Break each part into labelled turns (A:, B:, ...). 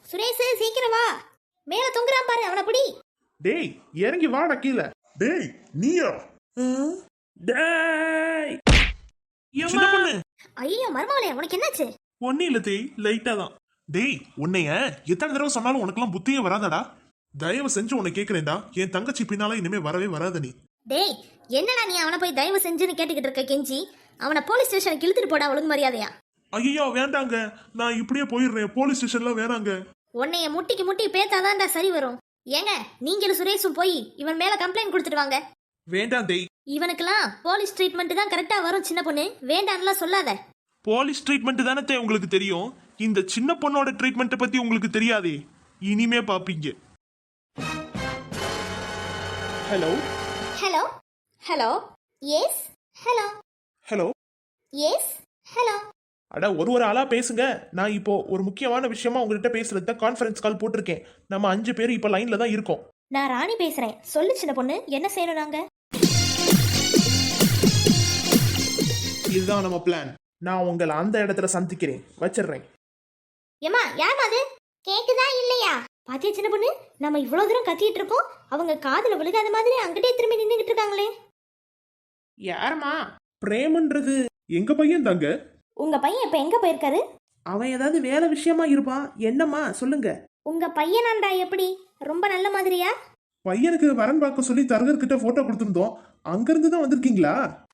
A: சுரேஷ் சீக்கிரம் வா. மேல தொங்குறான் பாரு, அவனை பிடி.
B: டேய் இறங்கி வாடா கீழே.
C: டேய் நீயா?
B: டேய் சின்ன பொண்ணு.
A: ஐயோ மர்மவளே, உனக்கு என்னாச்சு?
B: ஒன்னும் இல்ல தேய், லைட்டா தான். டேய் உன்னைய எத்தனை தடவை சொன்னாலும் உனக்கெல்லாம் புத்தியே வராதடா. தயவு செஞ்சு உன்னை கேக்குறேன்டா, என் தங்கச்சி பின்னால இனிமே வரவே வராத நீ.
A: டேய் என்னடா நீ அவனை போய் தயவு செஞ்சுன்னு கேட்டுக்கிட்டு இருக்க கெஞ்சி? அவனை போலீஸ் ஸ்டேஷனுக்கு இழுத்துட்டு போடா, ஒழுங்கு மரியாதையா.
B: ஐயோ வேண்டாங்க, நான் இப்படியே போயிடுறேன். போலீஸ் ஸ்டேஷன்ல வேணாங்க.
A: உன்னைய முட்டிக்கு முட்டி பேத்தாதான்டா சரி வரும். ஏங்க நீங்களும் சுரேஷும் போய் இவன் மேல கம்ப்ளைண்ட் கொடுத்துட்டு வாங்க.
B: வேண்டாம் தேய்.
A: இவனுக்கெல்லாம் போலீஸ் ட்ரீட்மெண்ட் தான் கரெக்டா வரும். சின்ன பொண்ணு வேண்டாம்லாம் சொல்லாத.
B: போலீஸ் ட்ரீட்மெண்ட் தானே தேய் உங்களுக்கு தெரியும். இந்த சின்ன பொண்ணோட ட்ரீட்மெண்ட் பத்தி உங்களுக்கு தெரியாதே. இனிமே பாப்பீங்க. Hello
A: hello hello yes hello
B: hello
A: yes hello.
B: அட ஒரு ஆளா பேசுங்க. நான் இப்போ ஒரு முக்கியமான விஷயமா உங்ககிட்ட பேசுறது கான்ஃபரன்ஸ் கால் போட்டிருக்கேன். நம்ம 5 பேர் இப்போ லைன்ல தான் இருக்கோம்.
A: நான் ராணி பேசுறேன். சொல்லு சின்ன பொண்ணு, என்ன செய்யணும் நாங்க?
B: இதுதான் நம்ம பிளான். நான் உங்களை அந்த இடத்துல சந்திக்கிறேன். வச்சிடுறேன்.
A: ஏமா யார் அது? கேக்குதா இல்லையா? பாத்தியா சின்ன பொண்ணு, நம்ம இவ்வளவு தூரம் கத்திட்டு இருக்கோம், அவங்க காதுல விழுகாத மாதிரி அங்கிட்டே திரும்பி நின்னுகிட்டு இருக்காங்களே.
B: யாரம்மா? பிரேமன்றது எங்க பையன் தாங்க.
A: உங்க பையன் இப்ப எங்க போயிருக்காரு?
B: அவன் ஏதாவது வேலை விஷயமா இருப்பான். என்னம்மா சொல்லுங்க.
A: உங்க பையனாண்டா எப்படி? ரொம்ப நல்ல மாதிரியா?
B: பையனுக்கு வரன் பார்க்க சொல்லி தரகர்கிட்ட போட்டோ கொடுத்துருந்தோம். அங்கிருந்து தான் வந்திருக்கீங்களா?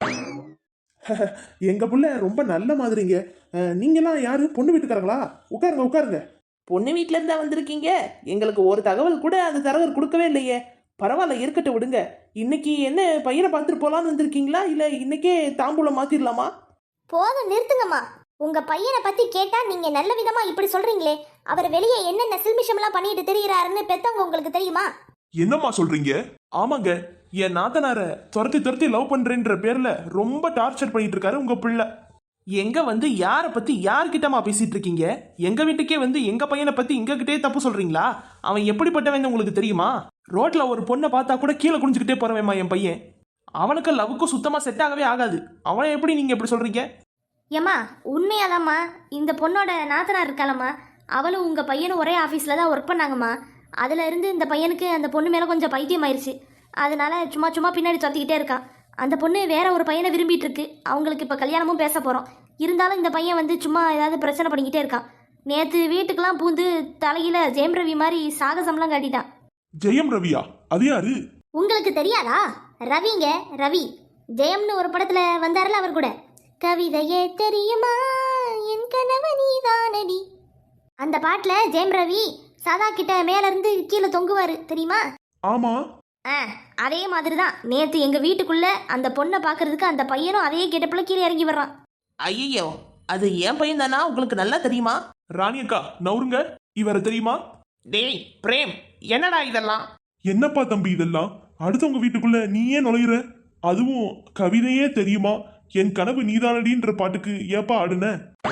B: எங்க புள்ள ரொம்ப நல்ல மாதிரிங்க. நீங்களாம் யாரு? பொண்ணு வீட்டுக்காரங்களா? உட்காருங்க உட்காருங்க. பொண்ணு வீட்டுல இருந்தா வந்திருக்கீங்க. எங்களுக்கு ஒரு தகவல் கூட அந்த தரகர் கொடுக்கவே இல்லையே. பரவாயில்ல, இருக்கட்டும் விடுங்க. இன்னைக்கு என்ன பையனை பார்த்துட்டு போலான்னு வந்திருக்கீங்களா, இல்ல இன்னைக்கே தாம்பூலம் மாத்திரலாமா?
A: போதும் நிறுத்துங்கம்மா. உங்க பையனை பத்தி கேட்டா நீங்க நல்ல விதமா இப்படி சொல்றீங்களே. அவர் வெளியே என்னென்ன சில்மிஷம் எல்லாம் பண்ணிட்டு தெரியுறாருன்னு பெத்தவங்க உங்களுக்கு தெரியுமா?
B: என்னம்மா சொல்றீங்க? ஆமாங்க, என் நாத்தனார துரத்தி துரத்தி லவ் பண்றேன்ற பேர்ல ரொம்ப டார்ச்சர் பண்ணிட்டு இருக்காரு உங்க பிள்ளை. எங்க வந்து யார பத்தி யார்கிட்டமா பேசிட்டு இருக்கீங்க? எங்க வீட்டுக்கே வந்து எங்க பையனை பத்தி எங்க கிட்டே தப்பு சொல்றீங்களா? அவன் எப்படிப்பட்டவன் உங்களுக்கு தெரியுமா? ரோட்ல ஒரு பொண்ணை பார்த்தா கூட கீழே குனிஞ்சுக்கிட்டே போறவேம்மா என் பையன். அவனுக்கு லவ்வுக்கும் சுத்தமா செட் ஆகவே ஆகாது. அவனை எப்படி நீங்க எப்படி சொல்றீங்க?
A: ஏம்மா உண்மையாதாம்மா, இந்த பொண்ணோட நாத்தனார் இருக்காளம்மா, அவளும் உங்க பையனும் ஒரே ஆஃபீஸில் தான் ஒர்க் பண்ணாங்கம்மா. அதுல இருந்து இந்த பையனுக்கு அந்த பொண்ணு மேலே கொஞ்சம் பைத்தியம் ஆயிடுச்சு. அதனால சும்மா சும்மா பின்னாடி தொத்திக்கிட்டே இருக்கான். அந்த பொண்ணு வேற ஒரு பையனை விரும்பிட்டு இருக்கு. அவங்களுக்கு இப்போ கல்யாணமும் பேச போகிறோம். இருந்தாலும் இந்த பையன் வந்து சும்மா ஏதாவது பிரச்சனை பண்ணிக்கிட்டே இருக்கான். நேற்று வீட்டுக்கெல்லாம் பூந்து தலையில ஜெயம் ரவி மாதிரி சாகசம்லாம் காட்டிட்டான்.
B: ஜெயம் ரவியா? அது யாரு?
A: உங்களுக்கு தெரியாதா? ரவிங்க, ரவி. ஜெயம்னு ஒரு படத்துல வந்தாருல அவர் கூட. கவிதையே தெரியுமா என் கனவு நீதானடி. அந்த பாட்டுல ஜெயம் ரவி சதா கிட்ட மேல இருந்து கீழே தொங்குவாரு தெரியுமா?
B: ஆமா.
A: அதே மாதிரி தான் நேத்து எங்க வீட்டுக்குள்ள அந்த பொண்ணை பாக்குறதுக்கு அந்த பையனும் அதே கேட்டப்புல கீழே இறங்கி வர்றான்.
D: ஐயோ, அது என் பையன் தானா? உங்களுக்கு நல்லா தெரியுமா?
B: ராணியக்கா நவுருங்க. இவரை தெரியுமா?
D: டேய் பிரேம், என்னடா இதெல்லாம்?
B: என்னப்பா தம்பி இதெல்லாம்? அடுத்தவங்க வீட்டுக்குள்ள நீயே நுழையிற? அதுவும் கவிதையே தெரியுமா என் கனவு நீதானடின்ற பாட்டுக்கு ஏப்பா ஆடுன?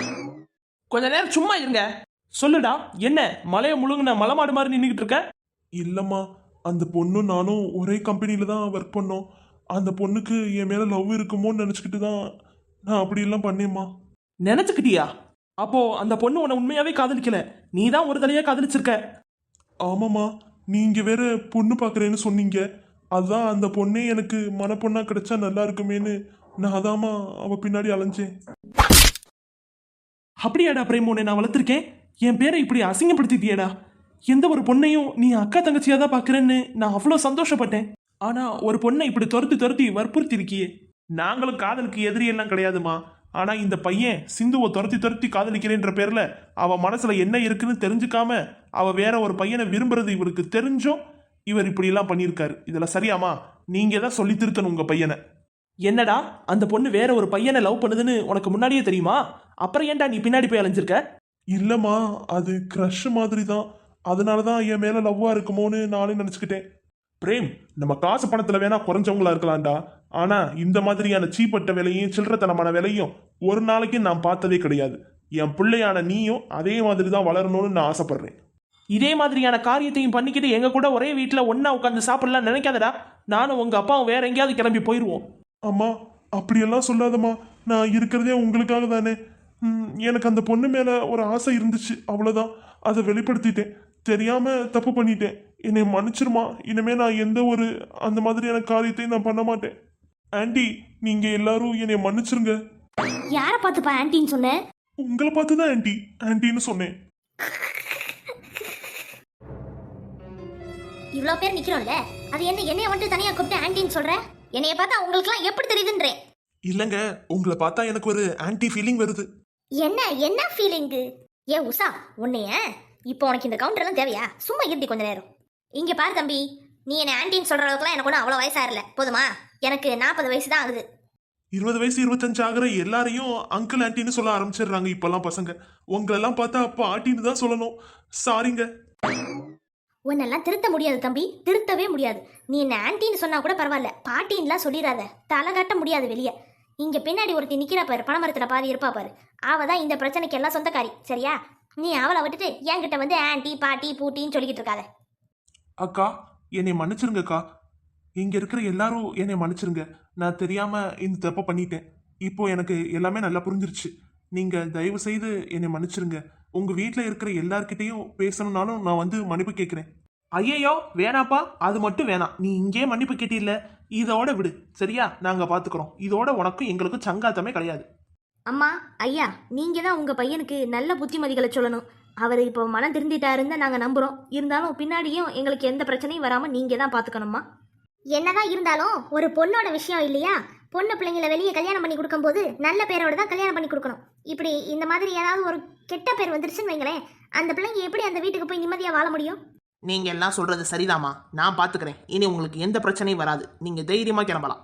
D: கொஞ்ச நேரம் சும்மா இருங்க.
B: சொல்லுடா, என்ன மலைய முழுங்குன மலமாடு மாதிரி நின்றுகிட்டு இருக்க? இல்லம்மா, அந்த பொண்ணும் நானும் ஒரே கம்பெனியில தான் ஒர்க் பண்ணோம். அந்த பொண்ணுக்கு என் மேல லவ் இருக்குமோன்னு நினைச்சுக்கிட்டு தான் நான் அப்படி எல்லாம் பண்ணேம்மா.
D: நினைச்சுக்கிட்டியா? அப்போ அந்த பொண்ணு உன்னை உண்மையாவே காதலிக்கல, நீ தான் ஒரு தலையா காதலிச்சிருக்க.
B: ஆமாம்மா, நீங்க வேற பொண்ணு பாக்குறேன்னு சொன்னீங்க. அதான் அந்த பொண்ணே எனக்கு மனப்பொண்ணா கிடைச்சா நல்லா இருக்குமேன்னு நான் அதாம்மா அவ பின்னாடி அலைஞ்சேன்.
D: அப்படியாடா பிரேம், உன்னை நான் வளர்த்துருக்கேன். என் பேரை இப்படி அசிங்கப்படுத்திட்டியடா. எந்த ஒரு பொண்ணையும் நீ அக்கா தங்கச்சியா தான் பாக்குறேன்னு நான் அவ்வளோ சந்தோஷப்பட்டேன். ஆனா ஒரு பொண்ணை இப்படி துரத்தி துரத்தி வற்புறுத்தி இருக்கியே.
B: நாங்களும் காதலுக்கு எதிரி எல்லாம் கிடையாதுமா. ஆனா இந்த பையன் சிந்துவை துரத்தி துரத்தி காதலிக்கிறேன்ற பேர்ல அவ மனசுல என்ன இருக்குன்னு தெரிஞ்சுக்காம அவ வேற ஒரு பையனை விரும்புறது இவருக்கு தெரிஞ்சும் இவர் இப்படி எல்லாம் பண்ணியிருக்காரு. இதுல சரியாமா? நீங்க தான் சொல்லி திருத்தணும் உங்க பையனை.
D: என்னடா, அந்த பொண்ணு வேற ஒரு பையனை லவ் பண்ணுதுன்னு உனக்கு முன்னாடியே தெரியுமா? அப்புறம் ஏன்டா நீ பின்னாடி போய் அலைஞ்சிருக்க?
B: இல்லம்மா, அது க்ரஷ் மாதிரி தான். அதனாலதான் என் மேல லவ்வா இருக்குமோன்னு நானே நினைச்சுக்கிட்டேன். பிரேம், நம்ம காசு பணத்துல வேணா குறைஞ்சவங்களா இருக்கலாம்டா. ஆனா இந்த மாதிரியான சீப்பட்ட வேலையும் சில்லறத்தனமான வேலையும் ஒரு நாளைக்கு நான் பார்த்ததே கிடையாது. என் பிள்ளையான நீயும் அதே மாதிரி தான் வளரணும்னு நான் ஆசைப்படுறேன்.
D: இதே மாதிரியான காரியத்தையும் பண்ணிக்கிட்டு எங்க கூட ஒரே வீட்டில் ஒன்னா உட்காந்து சாப்பிடலாம் நினைக்காதடா. நானும் உங்க அப்பாவும் வேற எங்கேயாவது கிளம்பி போயிடுவோம்.
B: அம்மா அப்படியெல்லாம் சொல்லாதம்மா. நான் இருக்கிறதே உங்களுக்காக தானே.
D: எனக்கு அந்த பொண்ணு மேல ஒரு ஆசை இருந்துச்சு, அவ்வளவுதான். அதை வெளிப்படுத்திட்டேன். தெரியாம தப்பு பண்ணிட்டேன். என்னை மன்னிச்சிருமா. இனிமே நான் எந்த ஒரு அந்த மாதிரியான காரியத்தையும் நான் பண்ண மாட்டேன். ஆண்டி, நீங்க எல்லாரும் என்னை மன்னிச்சிருங்க.
A: யாரை பார்த்துப்பா ஆன்ட்டின்னு சொன்னேன்?
D: உங்களை பார்த்து தான் ஆண்டி ஆண்டின்னு சொன்னேன்.
A: இவ்வளோ பேர் நிக்கிறோம்ல, அது என்னைய வந்துட்டு தனியா கூப்பிட்டு ஆன்ட்டின்னு சொல்ற? என்னைய பார்த்தா உங்களுக்குலாம் எப்படி தெரியுதுன்றேன்.
B: இல்லைங்க, உங்களை பார்த்தா எனக்கு ஒரு ஆன்டி ஃபீலிங் வருது.
A: என்ன ஃபீலிங்கு? ஏ உஷா, உன்னைய இப்போ உனக்கு இந்த கவுண்டர்லாம் தேவையா? சும்மா இருட்டி கொஞ்ச நேரம். இங்க பாரு தம்பி, நீ என்ன ஆன்ட்டின்னு சொல்ற அளவுக்குலாம் எனக்கு ஒன்றும் அவ்வளோ வயசாகல, போதுமா? எனக்கு 40 வயசு தான் ஆகுது.
B: 20 வயசு 25 ஆகிற எல்லாரையும் அங்கிள் ஆன்ட்டின்னு சொல்ல ஆரம்பிச்சிடுறாங்க இப்பெல்லாம் பசங்க. உங்களெல்லாம் பார்த்தா அப்போ ஆட்டின்னு தான் சொல்லணும். சாரிங்க.
A: உன்னெல்லாம் திருத்த முடியாது தம்பி, திருத்தவே முடியாது. நீ என்ன ஆன்ட்டின்னு சொன்னா கூட பரவாயில்ல, பாட்டின்லாம் சொல்லிடாத. தலை காட்ட முடியாது வெளியே. இங்க பின்னாடி ஒருத்தி நிக்கிறா பாரு, பணமரத்துல பாதி இருப்பா பாரு, அவ தான் இந்த பிரச்சனைக்கு எல்லாம் சொந்தக்காரி, சரியா? நீ அவளை விட்டுட்டு என்கிட்ட வந்து ஆன்ட்டி பாட்டி பூட்டின்னு சொல்லிக்கிட்டு இருக்காத.
B: அக்கா, என்னை மன்னிச்சிருங்கக்கா. இங்க இருக்கிற எல்லாரும் என்னை மன்னிச்சிருங்க. நான் தெரியாம இந்த தப்பை பண்ணிட்டேன். இப்போ எனக்கு எல்லாமே நல்லா புரிஞ்சிருச்சு. நீங்க தயவு செய்து என்னை மன்னிச்சிருங்க. உங்க வீட்டில் இருக்கிற எல்லார்கிட்டையும் பேசணும்னாலும் நான் வந்து மன்னிப்பு கேட்குறேன். ஐயையோ வேணாப்பா, அது மட்டும் வேணாம். நீ இங்கே மன்னிப்பு கேட்டில்ல, இதோட விடு, சரியா? நாங்க பாத்துக்கிறோம். இதோட உனக்கும் எங்களுக்கும் சங்காத்தமே கிடையாது.
A: அம்மா ஐயா, நீங்க தான் உங்க பையனுக்கு நல்ல புத்திமதிகளை சொல்லணும். அவர் இப்போ மனம் திருந்திட்டாருன்னு நாங்க நம்புறோம். இருந்தாலும் பின்னாடியும் எங்களுக்கு எந்த பிரச்சனையும் வராம நீங்க தான் பாத்துக்கணும்மா. என்னதான் இருந்தாலும் ஒரு பொண்ணோட விஷயம் இல்லையா? பொண்ணு பிள்ளைங்களை வெளியே கல்யாணம் பண்ணி கொடுக்கும்போது நல்ல பேரோட தான் கல்யாணம் பண்ணி கொடுக்கணும். இப்படி இந்த மாதிரி ஏதாவது ஒரு கெட்ட பேர் வந்துருச்சுன்னு வைங்களேன், அந்த பிள்ளைங்க எப்படி அந்த வீட்டுக்கு போய் நிம்மதியா வாழ முடியும்?
C: நீங்க எல்லாம் சொல்றது சரிதாம்மா, நான் பாத்துக்கிறேன். இனி உங்களுக்கு எந்த பிரச்சனையும் வராது. நீங்க தைரியமா கிளம்பலாம்.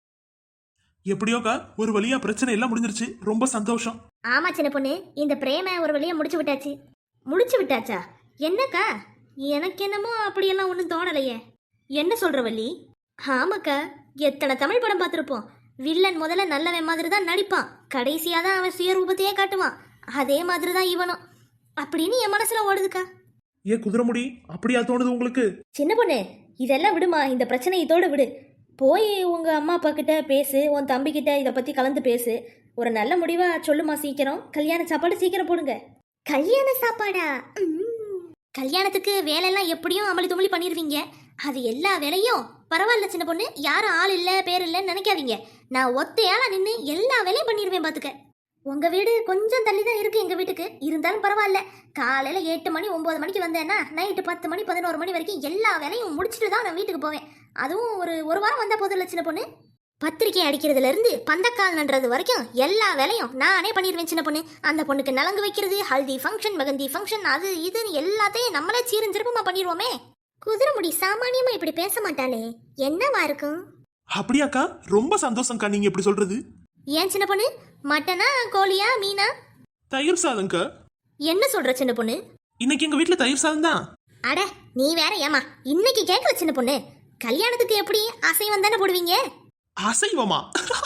B: எப்படியோக்கா ஒரு வழியா பிரச்சனை எல்லாம் முடிஞ்சிருச்சு. ரொம்ப சந்தோஷம்.
A: ஆமா சின்ன பொண்ணு, இந்த பிரேம ஒரு வழியா முடிச்சு விட்டாச்சு. முடிச்சு விட்டாச்சா? என்னக்கா? எனக்கு என்னமோ அப்படியெல்லாம் ஒன்றும் தோணலையே. என்ன சொல்ற வள்ளி? ஆமாக்கா, எத்தனை தமிழ் படம் பார்த்துருப்போம். வில்லன் முதல்ல நல்லவன் மாதிரி தான் நடிப்பான், கடைசியா தான் அவன் சுயரூபத்தையே காட்டுவான். அதே மாதிரி தான் இவனும் அப்படின்னு என் மனசுல ஓடுதுக்கா.
B: ஏ குதிரைமுடி, அப்படியா தோணுது உங்களுக்கு?
A: சின்ன பொண்ணு, இதெல்லாம் விடுமா, இந்த பிரச்சனை இதோட விடு. போய் உங்க அம்மா அப்பா கிட்ட பேசு, உன் தம்பி கிட்ட இதை பத்தி கலந்து பேசு. ஒரு நல்ல முடிவா சொல்லுமா சீக்கிரம். கல்யாண சாப்பாடு சீக்கிரம் போடுங்க. கல்யாண சாப்பாடா? கல்யாணத்துக்கு வேலையெல்லாம் எப்படியும் அமளி துமளி பண்ணிடுவீங்க. அது எல்லா வேலையும் பரவாயில்ல சின்ன பொண்ணு, யாரும் ஆள் இல்லை பேர் இல்லைன்னு நினைக்காதீங்க. நான் ஒத்தையால நின்று எல்லா வேலையும் பண்ணிடுவேன் பார்த்துக்க. உங்க வீடு கொஞ்சம் தள்ளி தான் இருக்கு எங்க வீட்டுக்கு, இருந்தாலும் பரவாயில்ல. காலையில 8 மணி 9 மணிக்கு வந்தேன்னா நைட்டு 10 மணி 11 மணி வரைக்கும் எல்லா வேலையும் முடிச்சுட்டு தான் நான் வீட்டுக்கு போவேன். அதுவும் ஒரு வாரம் வந்தா போதும் இல்லை சின்ன பொண்ணு. பத்திரிக்கை அடிக்கிறதுல இருந்து பந்தக்கால் நன்றது வரைக்கும் எல்லா வேலையும் நானே பண்ணிடுவேன் சின்ன பொண்ணு. அந்த பொண்ணுக்கு நலங்கு வைக்கிறது, ஹல்தி ஃபங்க்ஷன், மெகந்தி ஃபங்க்ஷன், அது இதுன்னு எல்லாத்தையும் நம்மளே சீரஞ்சிருப்பமா பண்ணிடுவோமே. குதிரைமுடி சாமானியமா இப்படி பேச மாட்டாளே, என்னவா இருக்கும்?
B: அப்படியாக்கா, ரொம்ப சந்தோஷம்க்கா நீங்க இப்படி சொல்றது.
A: ஏன் சின்ன பொண்ணு, மட்டனா கோழியா மீனா?
B: தயிர் சாதம்க்கா.
A: என்ன சொல்ற சின்ன பொண்ணு?
B: இன்னைக்கு எங்க வீட்டுல தயிர் சாதம் தான்.
A: அட நீ வேற ஏமா இன்னைக்கு கேட்கல சின்ன பொண்ணு. கல்யாணத்துக்கு எப்படி அசைவம் தானே போடுவீங்க?
B: அசைவமா?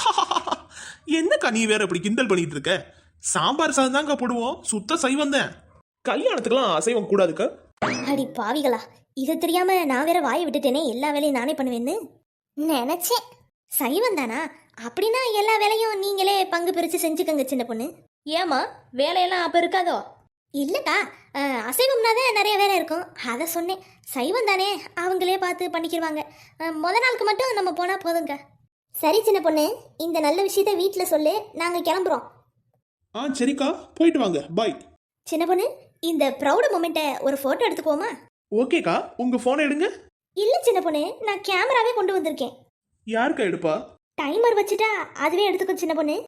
B: என்னக்கா நீ வேற இப்படி கிண்டல் பண்ணிட்டு இருக்க? சாம்பார் சாதம் தாங்க போடுவோம், சுத்த சைவம் தான். கல்யாணத்துக்குலாம் அசைவம் கூடாதுக்கா.
A: அடி பாவிகளா, இதை தெரியாம நான் வேற வாயை விட்டுட்டேனே. எல்லா வேலையும் நானே பண்ணுவேன்னு நினைச்சேன். சைவம் தானா? அப்படின்னா எல்லா வேலையும் நீங்களே பங்கு பிரிச்சு செஞ்சுக்கங்க சின்ன பொண்ணு. ஏமா வேலையெல்லாம் அப்ப இருக்காதோ? இல்லக்கா, அசைவம்னா தான் நிறைய வேலை இருக்கும், அதை சொன்னேன். சைவம் தானே, அவங்களே பார்த்து பண்ணிக்கிடுவாங்க. முத நாளுக்கு மட்டும் நம்ம போனா போதுங்க. சரி சின்ன பொண்ணு, இந்த நல்ல விஷயத்த வீட்டில் சொல்லு, நாங்கள் கிளம்புறோம்.
B: சரிக்கா, போயிட்டு வாங்க, பாய்.
A: சின்ன பொண்ணு, இந்த ப்ரௌட் மொமெண்ட்டை ஒரு ஃபோட்டோ எடுத்துக்கோமா?
B: ஓகேக்கா, உங்க போனை எடுங்க.
A: இல்லை சின்ன பொண்ணு, நான் கேமராவே கொண்டு வந்திருக்கேன்.
B: யாருக்கா எடுப்பா?
A: டைமர் வச்சுட்டா அதுவே எடுத்துக்கோ சின்ன பொண்ணு.